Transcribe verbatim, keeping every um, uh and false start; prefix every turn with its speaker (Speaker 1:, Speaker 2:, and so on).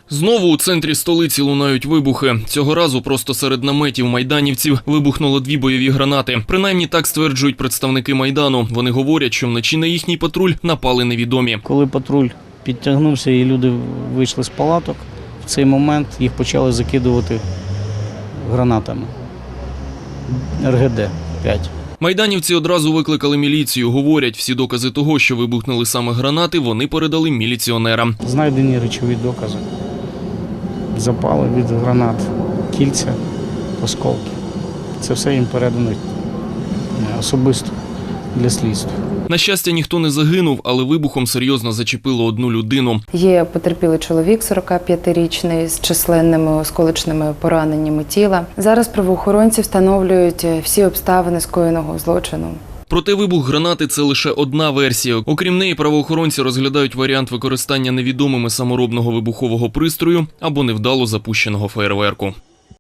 Speaker 1: Знову у центрі столиці лунають вибухи. Цього разу просто серед наметів майданівців вибухнуло дві бойові гранати. Принаймні так стверджують представники Майдану. Вони говорять, що вночі на їхній патруль напали невідомі.
Speaker 2: Коли патруль підтягнувся і люди вийшли з палаток, в цей момент їх почали закидувати гранатами. ер ге де п'ять.
Speaker 1: Майданівці одразу викликали міліцію. Говорять, всі докази того, що вибухнули саме гранати, вони передали міліціонерам.
Speaker 2: Знайдені речові докази. Запали від гранат, кільця, осколки. Це все їм передано особисто для слідства.
Speaker 1: На щастя, ніхто не загинув, але вибухом серйозно зачепило одну людину.
Speaker 3: Є потерпілий чоловік, сорокап'ятирічний, з численними осколочними пораненнями тіла. Зараз правоохоронці встановлюють всі обставини скоєного злочину.
Speaker 1: Проте вибух гранати – це лише одна версія. Окрім неї, правоохоронці розглядають варіант використання невідомими саморобного вибухового пристрою або невдало запущеного феєрверку.